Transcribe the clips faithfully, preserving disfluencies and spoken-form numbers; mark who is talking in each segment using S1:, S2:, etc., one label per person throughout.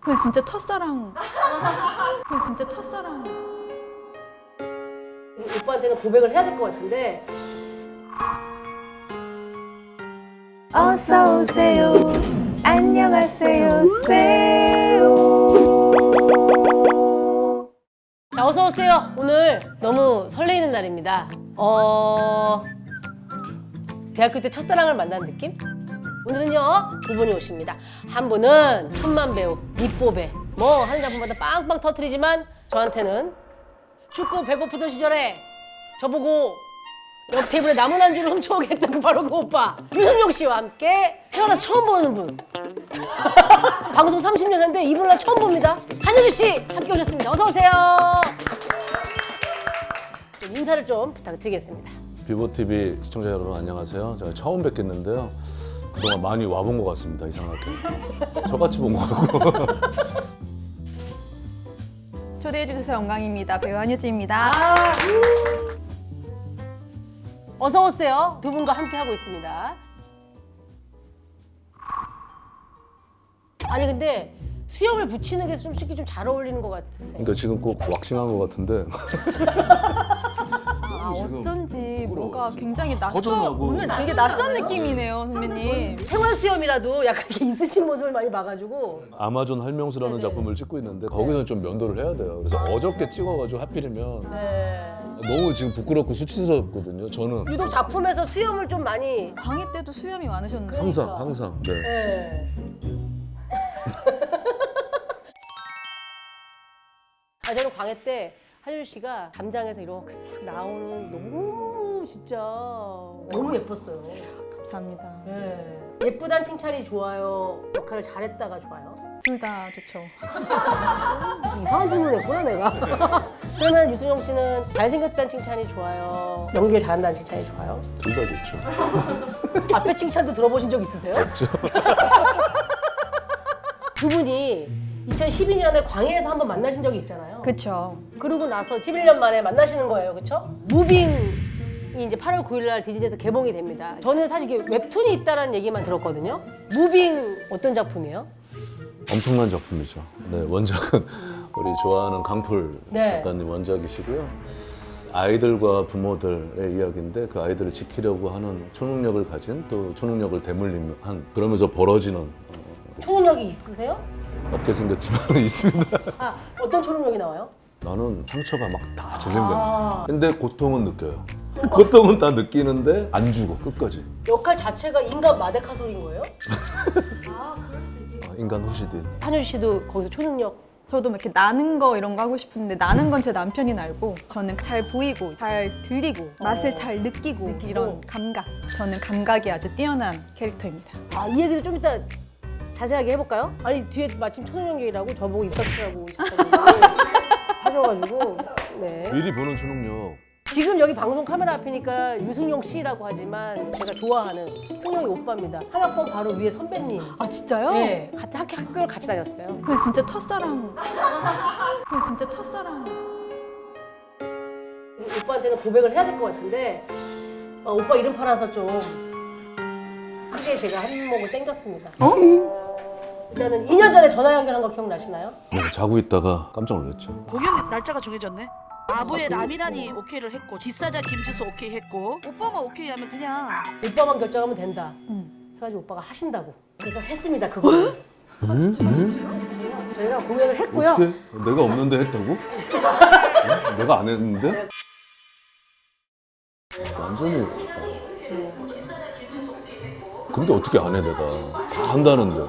S1: 그냥 진짜 첫사랑. 그냥 진짜 첫사랑.
S2: 오빠한테는 고백을 해야 될 것 같은데.
S1: 어서 오세요. 안녕하세요. 세요.
S2: 자, 어서 오세요. 오늘 너무 설레이는 날입니다. 어... 대학교 때 첫사랑을 만난 느낌? 오늘은요 두 분이 오십니다. 한 분은 천만 배우 밑보배, 뭐 하는 작품마다 빵빵 터트리지만 저한테는 춥고 배고프던 시절에 저보고 옆 테이블에 남은 안주를 훔쳐오겠다 그 바로 그 오빠 유승용 씨와 함께 태어나서 처음 보는 분. 방송 삼십 년 했는데 이분을 난 처음 봅니다. 한효주 씨 함께 오셨습니다. 어서 오세요. 인사를 좀 부탁드리겠습니다.
S3: 비보티비 시청자 여러분 안녕하세요. 제가 처음 뵙겠는데요. 그동안 많이 와본 것 같습니다. 이상하게. 저같이 본 것 같고.
S1: 초대해주셔서 영광입니다. 배우 한유주입니다.
S2: 아, 음. 어서 오세요. 두 분과 함께 하고 있습니다. 아니 근데 수염을 붙이는 게 솔직히 좀 잘 어울리는 것 같으세요.
S3: 그러니까 지금 꼭 왁싱한 것 같은데.
S1: 아, 어쩐지 뭔가 굉장히 낯선,
S3: 허전하고.
S1: 오늘 되게 낯선 느낌이네요, 선배님.
S2: 생활 수염이라도 약간 이렇게 있으신 모습을 많이 봐가지고.
S3: 아마존 할명수라는
S2: 네네.
S3: 작품을 찍고 있는데 거기서는 좀 면도를 해야 돼요. 그래서 어저께 찍어가지고 하필이면
S2: 네.
S3: 너무 지금 부끄럽고 수치스럽거든요. 저는
S2: 유독 작품에서 수염을 좀 많이.
S1: 광희 때도 수염이 많으셨는데.
S3: 항상 항상. 네.
S2: 네. 아, 저는 광해 때 한효주 씨가 담장에서 이렇게 싹 나오는 너무 진짜 너무 예뻤어요.
S1: 감사합니다.
S2: 네. 예쁘단 칭찬이 좋아요. 역할을 잘했다가 좋아요.
S1: 둘 다 좋죠.
S2: 이상한 질문을 했구나 내가. 그러면 유승용 씨는 잘생겼다는 칭찬이 좋아요. 연기를 잘한다는 칭찬이 좋아요.
S3: 둘 다 좋죠.
S2: 앞에 칭찬도 들어보신 적 있으세요?
S3: 없죠.
S2: 두 분이 이천십이 년에 광해에서 한번 만나신 적이 있잖아요.
S1: 그쵸.
S2: 그러고 나서 십일 년 만에 만나시는 거예요, 그렇죠? 무빙이 이제 팔월 구일 날 디즈니에서 개봉이 됩니다. 저는 사실 이게 웹툰이 있다는 얘기만 들었거든요. 무빙 어떤 작품이에요?
S3: 엄청난 작품이죠. 네, 원작은 우리 좋아하는 강풀
S2: 네.
S3: 작가님 원작이시고요. 아이들과 부모들의 이야기인데 그 아이들을 지키려고 하는 초능력을 가진 또 초능력을 대물림한 그러면서 벌어지는
S2: 초능력이 있으세요?
S3: 없게 생겼지만 있습니다.
S2: 아, 어떤 초능력이 나와요?
S3: 나는 상처가 막 다 재생된다.
S2: 아.
S3: 근데 고통은 느껴요. 고통은 다 느끼는데 안 죽어 끝까지.
S2: 역할 자체가 인간 마데카솔인 거예요? 아, 그럴 수 있겠다.
S3: 아, 인간 후시딘.
S2: 한효주 씨도 거기서 초능력.
S1: 저도 막 이렇게 나는 거 이런 거 하고 싶은데 나는 건 제 남편이 날고 저는 잘 보이고 잘 들리고 맛을 잘 느끼고,
S2: 느끼고.
S1: 이런 감각. 저는 감각이 아주 뛰어난 캐릭터입니다.
S2: 아, 이 얘기도 좀 이따 자세하게 해볼까요? 아니, 뒤에 마침 초능력이라고 저보고 입 닥치라고 작가님이 하셔가지고. 네.
S3: 미리 보는 초능력.
S2: 지금 여기 방송 카메라 앞이니까 유승용 씨라고 하지만 제가 좋아하는 승용이 오빠입니다. 한 학번 바로 위에 선배님.
S1: 아 진짜요?
S2: 네, 같은 학교, 학교를 같이 다녔어요.
S1: 그냥 진짜 첫사랑. 그냥 진짜 첫사랑.
S2: 오빠한테는 고백을 해야 될 것 같은데 어, 오빠 이름 팔아서 좀 크게 제가 한몫을 땡겼습니다.
S1: 어?
S2: 일단은 이 년 전에 전화 연결한 거 기억나시나요?
S3: 네, 자고 있다가 깜짝 놀랐죠.
S4: 공연 날짜가 정해졌네. 아부의 라미란이 오케이를 했고 기사자 김지수 오케이 했고 오빠만 오케이 하면 그냥
S2: 오빠만 결정하면 된다.
S1: 응.
S2: 해가지고 오빠가 하신다고. 그래서 했습니다, 그거를. 저희가 공연을 했고요.
S3: 어떻게? 내가 없는데 했다고? 어? 내가 안 했는데? 완전히. 근데 어떻게 안 해 내가? 다 한다는데.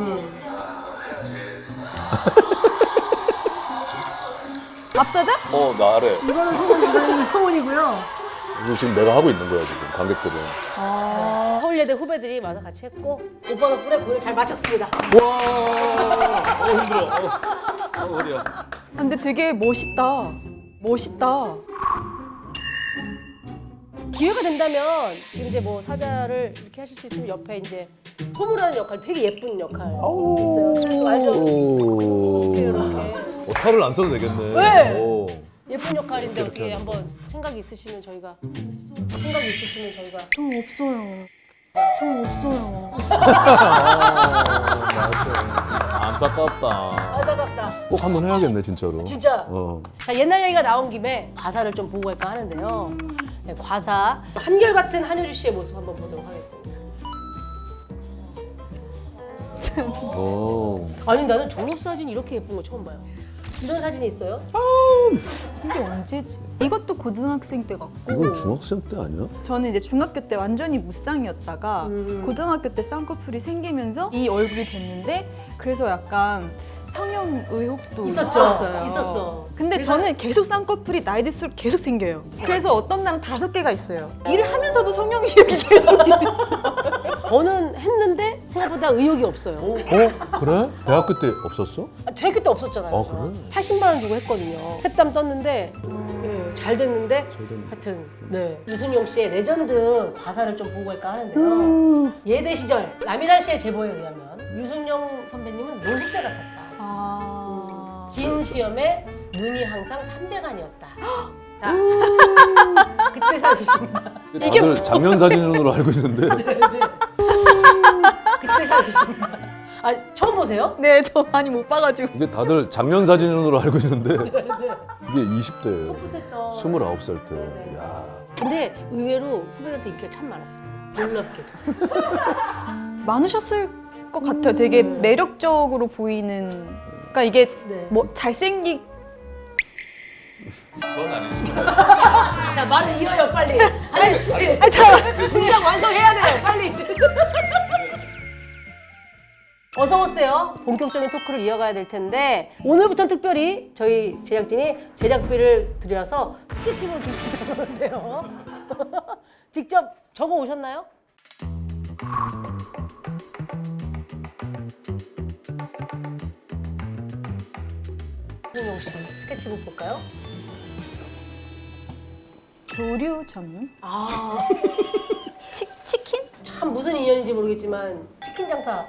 S1: 앞서자?
S3: 어 나래.
S2: 이거는 소문, 이거는 소문이고요.
S3: 이거 지금 내가 하고 있는 거야 지금 관객들은.
S2: 아, 서울예대 후배들이 와서 같이 했고 오빠 덕분에 공연을 잘 마쳤습니다.
S3: 와. 어 힘들어. 어, 어 허리야.
S1: 근데 되게 멋있다. 멋있다.
S2: 기회가 된다면 지금 이제 뭐 사자를 이렇게 하실 수 있으면 옆에 이제 소무라는 역할, 되게 예쁜 역할 있어요. 그래서 알죠?
S3: 오.
S2: 이렇게 이렇게
S3: 어, 탈을 안 써도 되겠네.
S2: 네.
S3: 오.
S2: 예쁜 역할인데
S3: 이렇게
S2: 어떻게
S3: 하는
S2: 한번 생각이 있으시면 저희가 생각이 있으시면 저희가
S1: 저 없어요. 저 없어요.
S3: 안타깝다.
S2: 안타깝다.
S3: 꼭 한번 해야겠네 진짜로.
S2: 진짜.
S3: 어.
S2: 자, 옛날 얘기가 나온 김에 과사를 좀 보고 갈까 하는데요. 네, 과사 한결같은 한효주 씨의 모습 한번 보도록 하겠습니다.
S3: 오.
S2: 아니 나는 졸업사진 이렇게 예쁜 거 처음 봐요. 이런 사진이 있어요?
S1: 이게 언제지? 이것도 고등학생 때 같고.
S3: 이건 중학생 때 아니야?
S1: 저는 이제 중학교 때 완전히 무쌍이었다가
S2: 음.
S1: 고등학교 때 쌍꺼풀이 생기면서 이 얼굴이 됐는데 그래서 약간 성형 의혹도
S2: 있었죠.
S1: 있었어요.
S2: 있었어.
S1: 근데
S2: 내가-
S1: 저는 계속 쌍꺼풀이 나이 들수록 계속 생겨요. 그래서 어떤 날은 다섯 개가 있어요. 일을 하면서도 성형 의혹이 계속
S2: 저는 했는데 생각보다 의욕이 없어요.
S3: 어? 그래? 대학교 때 없었어?
S2: 아, 대학교 때 없었잖아요.
S3: 아,
S2: 저.
S3: 그래?
S2: 팔십만 원 주고 했거든요. 새땀 떴는데 예, 잘 됐는데
S3: 잘 됐네.
S2: 하여튼 네. 유순용 씨의 레전드 과사를 좀 보고 갈까 하는데요.
S3: 음.
S2: 예대 시절 라미란 씨의 제보에 의하면 유순용 선배님은 노숙자 같았다.
S1: 아...
S2: 긴 수염에 눈이 항상 삼백안이었다. 자, 그때 사실입니다.
S3: 다들 작년 사진으로 알고 있는데
S2: 그때 사실입니다. 아 처음 보세요?
S1: 네, 저 많이 못 봐가지고.
S3: 이게 다들 작년 사진으로 알고 있는데 이게 이십 대예요.
S2: 못했던.
S3: 스물아홉 살 때.
S2: 네.
S3: 야.
S2: 근데 의외로 후배한테 인기가 참 많았습니다. 놀랍게도.
S1: 많으셨을 것 같아요. 되게 매력적으로 보이는. 그러니까 이게
S2: 네.
S1: 뭐 잘생기.
S3: 그건 아니지.
S2: 자 말을 이어요 빨리. 한혜주 씨. 문장 완성해야 돼요 빨리. 어서 오세요. 본격적인 토크를 이어가야 될 텐데 오늘부터는 특별히 저희 제작진이 제작비를 들여서 스케치북을 준비했다고 하는데요. 직접 적어 오셨나요? 홍용 씨 스케치북 볼까요?
S1: 조류 전문?
S2: 아,
S1: 치, 치킨?
S2: 참 무슨 인연인지 모르겠지만 치킨 장사.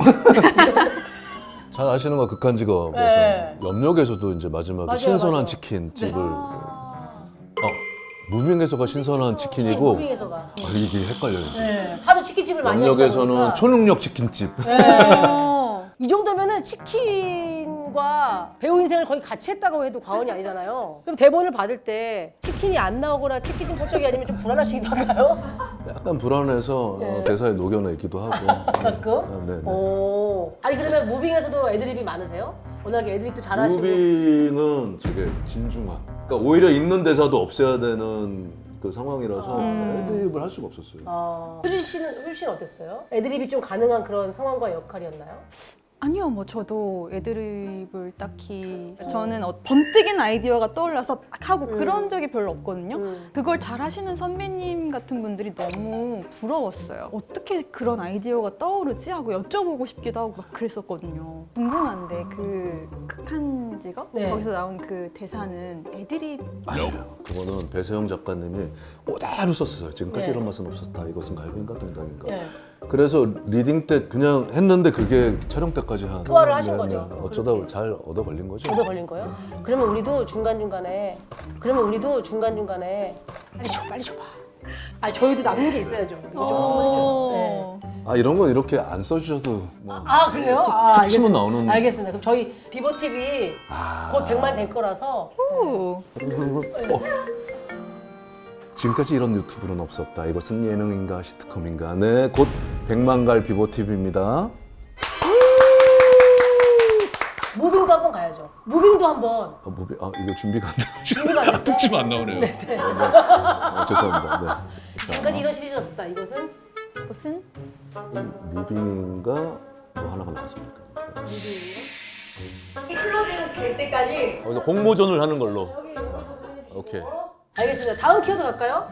S3: 잘 아시는 거 극한 직업에서
S2: 네.
S3: 염력에서도 이제 마지막에
S2: 맞아요,
S3: 신선한
S2: 맞아요.
S3: 치킨 집을
S2: 아,
S3: 어, 무빙에서가 신선한 치킨이고
S2: 무빙에서가.
S3: 아, 이게 헷갈려요. 이제.
S2: 네. 하도 치킨집을 많이 하시다
S3: 염력에서는
S2: 보니까.
S3: 초능력 치킨집.
S1: 어.
S2: 이 정도면은 치킨과 배우 인생을 거의 같이 했다고 해도 과언이 아니잖아요. 그럼 대본을 받을 때 치킨이 안 나오거나 치킨집 설정이 아니면 좀 불안하시기도 한가요?
S3: 약간 불안해서
S2: 네.
S3: 어, 대사에 녹여내기도 하고.
S2: 가끔?
S3: 아, 네, 네.
S2: 오. 아니 그러면 무빙에서도 애드립이 많으세요? 워낙에 애드립도 잘하시고.
S3: 무빙은 저게 진중한. 그러니까 오히려 있는 대사도 없애야 되는 그 상황이라서 애드립을 할 수가 없었어요.
S2: 어. 효진 씨는 효진 씨는 어땠어요? 애드립이 좀 가능한 그런 상황과 역할이었나요?
S1: 아니요, 뭐 저도 애드립을 딱히 저는 어, 번뜩인 아이디어가 떠올라서 막 하고
S2: 음.
S1: 그런 적이 별로 없거든요.
S2: 음.
S1: 그걸 잘 하시는 선배님 같은 분들이 너무 부러웠어요. 어떻게 그런 아이디어가 떠오르지 하고 여쭤보고 싶기도 하고 막 그랬었거든요. 궁금한데 그 극한 직업?
S2: 네.
S1: 거기서 나온 그 대사는 애드립
S3: 아니에요. 그거는 배세영 작가님이 그대로 썼어요. 지금까지
S2: 네.
S3: 이런 맛은 없었다. 이것은 갈비인가 동닭인가.
S2: 네.
S3: 그래서 리딩 때 그냥 했는데 그게 촬영 때까지 한
S2: 소화를 하신 거죠?
S3: 어쩌다
S2: 그렇게.
S3: 잘 얻어 걸린 거죠.
S2: 얻어 걸린 거예요? 그러면 우리도 중간 중간에 그러면 우리도 중간 중간에 빨리 줘 빨리 줘봐. 아 저희도 남는 게 있어야죠. 이거 좀 한번 해줘요. 네.
S3: 아 이런 건 이렇게 안 써주셔도 뭐
S2: 아 그래요? 아,
S3: 특치면
S2: 알겠습니다.
S3: 나오는.
S2: 알겠습니다. 그럼 저희 비버 티비
S3: 아.
S2: 곧 백만 될 거라서
S1: 오.
S3: 어. 지금까지 이런 유튜브는 없었다. 이것은 예능인가 시트콤인가. 네, 곧 백만 갈 비보 티비입니다.
S2: 무빙도 한번 가야죠. 무빙도 한번
S3: 아, 무비, 아 이거 준비가 안 돼.
S2: 준비가 안 됐어?
S3: 특집 안 나오네요. 네, 네. 아, 죄송합니다. 네.
S2: 지금까지 이런 시리즈 없었다. 이것은
S1: 무슨?
S3: 무빙인가 또 하나가 나왔습니까?
S5: 클로징 될 때까지
S3: 그래서 홍보전을 하는 걸로. 오케이.
S2: 알겠습니다. 다음 키워드 갈까요?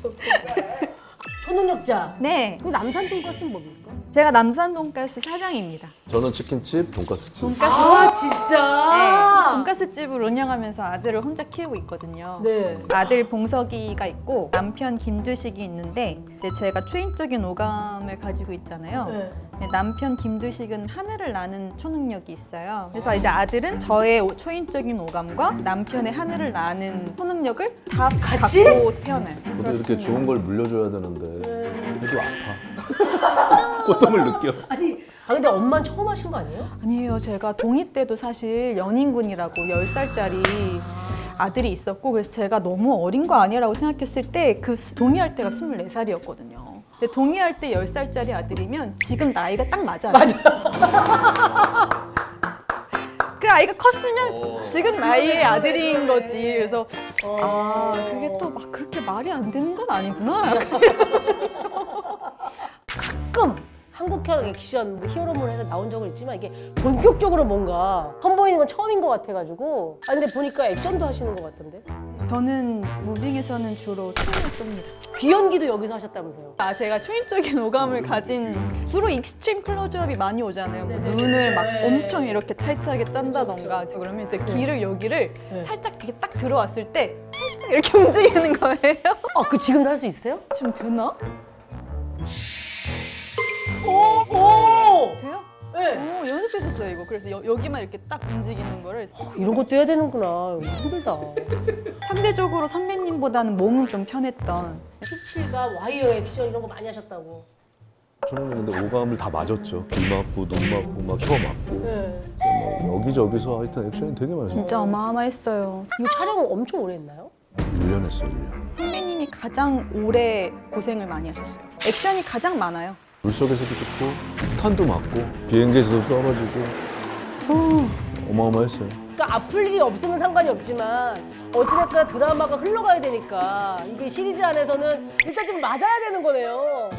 S2: 초능력자.
S1: 네,
S2: 그 남산 돈가스는 뭡니까?
S1: 제가 남산 돈가스 사장입니다.
S3: 저는 치킨집, 돈가스집.
S1: 돈가스
S2: 아 진짜?
S1: 네, 돈가스 집을 운영하면서 아들을 혼자 키우고 있거든요.
S2: 네.
S1: 아들 봉석이가 있고 남편 김두식이 있는데 이제 제가 초인적인 오감을 가지고 있잖아요.
S2: 네.
S1: 네, 남편 김두식은 하늘을 나는 초능력이 있어요. 그래서 이제 아들은 저의 오- 초인적인 오감과 남편의 하늘을 나는 초능력을 다
S2: 같이?
S1: 갖고 태어나요.
S3: 저도 이렇게 좋은 걸 물려줘야 되는데 그래도 아파. 고통을 느껴.
S2: 아니, 아 근데 엄마는 처음 하신 거 아니에요?
S1: 아니에요. 제가 동이 때도 사실 연인군이라고 열 살짜리 아들이 있었고 그래서 제가 너무 어린 거 아니라고 생각했을 때 그 동의할 때가 스물네 살이었거든요. 근데 동의할 때 열 살짜리 아들이면 지금 나이가 딱 맞아요. 맞아. 그 아이가 컸으면 지금 나이의 아들인 거지. 그래서 아 그게 또 막 그렇게 말이 안 되는 건 아니구나.
S2: 가끔 한국형 액션 뭐 히어로물에서 나온 적은 있지만 이게 본격적으로 뭔가 선보이는 건 처음인 것 같아가지고 아 근데 보니까 액션도 하시는 것 같던데
S1: 저는 무빙에서는 주로 총을 쏩니다.
S2: 귀연기도 여기서 하셨다면서요?
S1: 아 제가 초인적인 오감을 가진 주로 익스트림 클로즈업이 많이 오잖아요. 뭐 눈을 막 엄청 이렇게 타이트하게 딴다던가 그러면 이제 귀를 여기를
S2: 네.
S1: 살짝 이렇게 딱 들어왔을 때 살짝 이렇게 움직이는 거예요.
S2: 아 그 지금도 할 수 있어요?
S1: 지금 되나?
S2: 오! 오!
S1: 돼요?
S2: 네.
S1: 오, 연습했었어요 이거. 그래서 여, 여기만 이렇게 딱 움직이는 거를
S2: 이런 것도 해야 되는구나. 힘들다.
S1: 상대적으로 선배님보다는 몸은 좀 편했던.
S2: 피칠과 와이어 액션 이런 거 많이 하셨다고.
S3: 저는 근데 오감을 다 맞았죠. 귀 맞고 눈 맞고 막 혀 맞고
S2: 네.
S3: 막 여기저기서 하여튼 액션이 되게 많아요.
S1: 진짜 어마어마했어요.
S2: 이거 촬영 엄청 오래 했나요?
S3: 일 년 했어요, 일 년.
S1: 선배님이 가장 오래 고생을 많이 하셨어요. 액션이 가장 많아요.
S3: 물속에서도 찍고 탄도 맞고 비행기에서도 떨어지고 어, 어마어마했어요.
S2: 그러니까 아플 일이 없으면 상관이 없지만 어찌됐거나 드라마가 흘러가야 되니까 이게 시리즈 안에서는 일단 좀 맞아야 되는 거네요.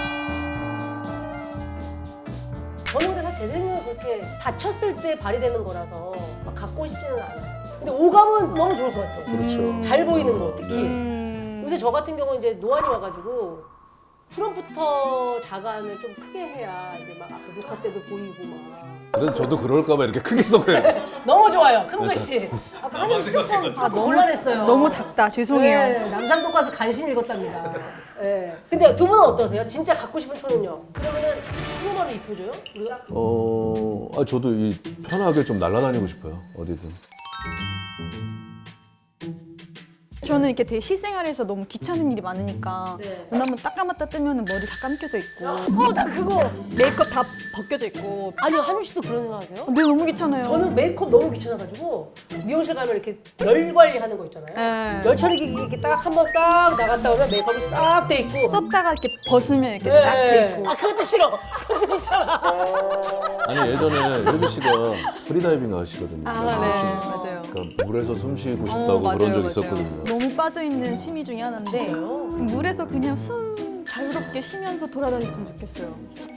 S2: 저는 근데 사실 제 생각은 그렇게 다쳤을 때 발휘되는 거라서 막 갖고 싶지는 않아요. 근데 오감은 너무 좋을 것 같아요.
S3: 그렇죠.
S2: 잘 보이는 거 특히.
S1: 음...
S2: 요새 저 같은 경우는 이제 노안이 와가지고 프롬프터 자간을 좀 크게 해야 이제 막 앞에 녹화 때도 보이고 막.
S3: 그래서 저도 그럴까봐 이렇게 크게 써그래요.
S2: 너무 좋아요. 큰 글씨. 아까 한입 조금 아, 곤란했어요.
S1: 너무 작다. 죄송해요.
S2: 네, 남산동 가서 간신히 읽었답니다. 네. 근데 두 분은 어떠세요? 진짜 갖고 싶은 초능력. 그러면은 프로마를 입혀줘요? 우리가?
S3: 어, 아, 저도 이 편하게 좀 날아다니고 싶어요. 어디든.
S1: 저는 이렇게 되게 실생활에서 너무 귀찮은 일이 많으니까
S2: 네.
S1: 눈 한번 딱 감았다 뜨면 머리 다 감겨져 있고
S2: 어, 나 그거.
S1: 메이크업 다 벗겨져 있고
S2: 아니, 한유 씨도 그런 생각 하세요?
S1: 네, 너무 귀찮아요.
S2: 저는 메이크업 너무 귀찮아가지고 미용실 가면 이렇게 열 관리하는 거 있잖아요.
S1: 네.
S2: 열 처리기 이렇게 딱 한 번 싹 나갔다 오면 메이크업이 싹 돼 있고.
S1: 썼다가 이렇게 벗으면 이렇게
S2: 네.
S1: 딱 돼 있고
S2: 아, 그것도 싫어. 그것도 귀찮아.
S3: 아니, 예전에 효주 씨가 프리다이빙 하시거든요.
S1: 아,
S3: 그래서
S1: 네,
S3: 혹시
S1: 맞아요.
S3: 그러니까 물에서 숨 쉬고
S1: 어,
S3: 싶다고
S1: 맞아요,
S3: 그런 적
S1: 맞아요.
S3: 있었거든요.
S1: 너무 빠져있는 취미 중에 하나인데
S2: 진짜요?
S1: 물에서 그냥 숨 자유롭게 쉬면서 돌아다녔으면 좋겠어요.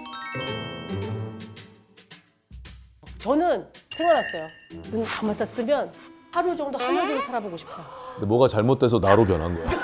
S2: 저는 생각났어요. 눈 감았다 뜨면 하루 정도 한여름을 살아보고 싶어요.
S3: 근데 뭐가 잘못돼서 나로 변한 거야.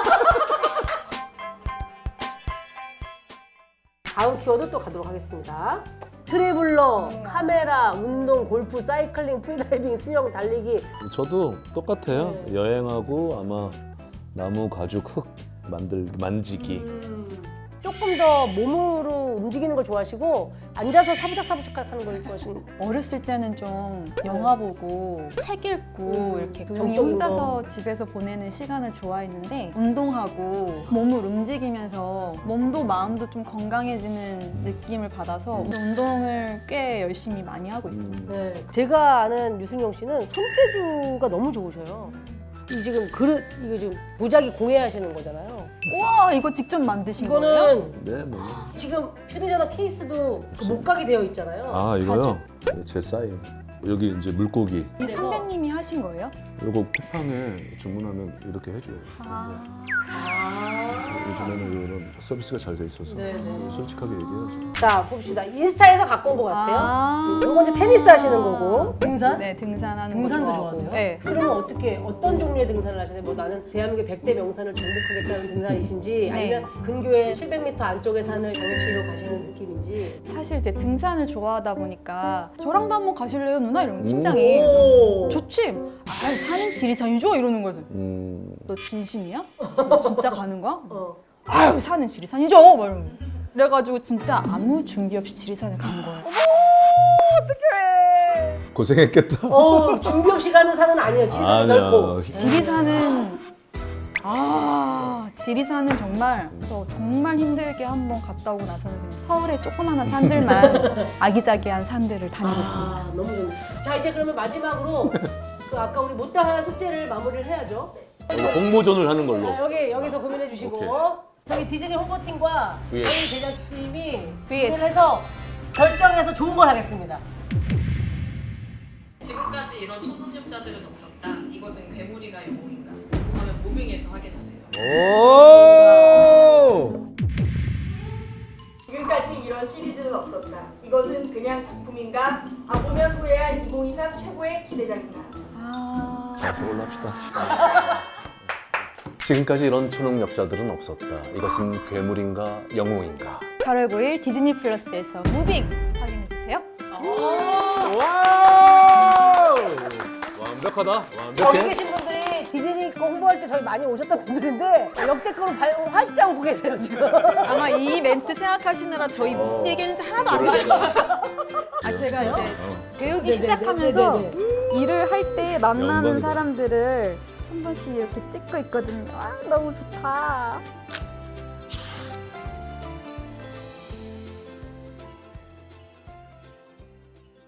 S2: 다음 키워드 또 가도록 하겠습니다. 트래블러, 카메라, 운동, 골프, 사이클링, 프리다이빙, 수영, 달리기.
S3: 저도 똑같아요.
S2: 네.
S3: 여행하고 아마 나무, 가죽, 흙 만들 만지기.
S2: 조금 더 몸으로 움직이는 걸 좋아하시고 앉아서 사부작사부작 하는 걸 좋아하시는.
S1: 어렸을 때는 좀 영화 보고 책 읽고
S2: 음,
S1: 이렇게
S2: 그
S1: 조용히
S2: 정적인
S1: 혼자서
S2: 거.
S1: 집에서 보내는 시간을 좋아했는데 운동하고 몸을 움직이면서 몸도 마음도 좀 건강해지는 느낌을 받아서 운동을 꽤 열심히 많이 하고 있습니다.
S2: 네. 제가 아는 유승용 씨는 손재주가 너무 좋으셔요. 이 지금 그릇 이거 지금 도자기 공예하시는 거잖아요.
S1: 우와 이거 직접 만드신 거예요?
S2: 이거는
S3: 네, 뭐.
S2: 지금 휴대전화 케이스도 그 목각이 되어 있잖아요.
S3: 아, 이거요? 제 사인. 여기 이제 물고기.
S1: 이 선배님이 하신 거예요?
S3: 이거 쿠팡에 주문하면 이렇게 해줘요.
S1: 아,
S2: 아.
S3: 요즘에는 이런 서비스가 잘 돼 있어서
S2: 네네.
S3: 솔직하게 얘기해야죠.
S2: 자 봅시다. 인스타에서 갖고 온 것 같아요.
S1: 아.
S2: 이거 이제 테니스 하시는 거고. 등산?
S1: 네 등산하는
S2: 등산도
S1: 거 좋아하고.
S2: 좋아하세요?
S1: 네.
S2: 그러면 어떻게 어떤 종류의 등산을 하시나요? 뭐 나는 대한민국의 백 대 명산을 정복하겠다는 등산이신지 아니면 근교의 칠백 미터 안쪽의 산을 경치로 가시는 느낌인지.
S1: 사실 이제 등산을 좋아하다 보니까 저랑도 한번 가실래요 누나 이러면 팀장이
S2: 오.
S1: 좋지. 아 산행 지리산이죠 이러는 거지.
S3: 음,
S1: 너 진심이야? 너 진짜 가는 거야?
S2: 어.
S1: 아유 산은 지리산이죠. 막 이러면. 그래가지고 진짜 아무 준비 없이 지리산을 간 거예요.
S3: 고생했겠다.
S2: 어, 준비 없이 가는 산은 아니에요. 지리산은
S3: 아니야.
S2: 결코.
S1: 지리산은 아, 지리산은 정말 저 정말 힘들게 한번 갔다 오고 나서는 그냥 서울의 조그마한 산들만 아기자기한 산들을 다니고 있습니다.
S2: 아, 너무 좋네. 자, 이제 그러면 마지막으로 그 아까 우리 못다한 숙제를 마무리를 해야죠.
S3: 이거 홍보전을 하는 걸로.
S2: 자, 여기 여기서 고민해 주시고
S3: 오케이.
S2: 저기 디즈니 홍보팀과
S3: 브이에스.
S2: 저희 제작팀이
S1: 브이에스.
S2: 고민을 해서 결정해서 좋은 걸 하겠습니다.
S6: 지금까지 이런 초능력자들은 없었다. 이것은 괴물이가 영웅인가? 궁금하면 무빙에서 확인하세요.
S5: 지금까지 이런 시리즈는 없었다. 이것은 그냥 작품인가? 아 보면 후회할 이천이십삼 최고의 기대작인가?
S1: 아,
S3: 자, 저걸로 합시다. 지금까지 이런 초능력자들은 없었다. 이것은 괴물인가 영웅인가?
S1: 팔월 구일 디즈니 플러스에서 무빙 확인해주세요.
S3: 완벽하다.
S2: 여기
S3: 완벽해.
S2: 계신 분들이 디즈니 거 홍보할 때 저희 많이 오셨던 분들인데 역대급으로 발- 활짝 웃고 계세요 지금.
S1: 아마 이 멘트 생각하시느라 저희 무슨 얘기했는지 하나도 안 들으셨어요. 아, 제가 이제 배우기
S2: 네네네,
S1: 시작하면서
S2: 네네네.
S1: 일을 할 때 만나는
S3: 영광이다.
S1: 사람들을 한 번씩 이렇게 찍고 있거든요. 아, 너무 좋다.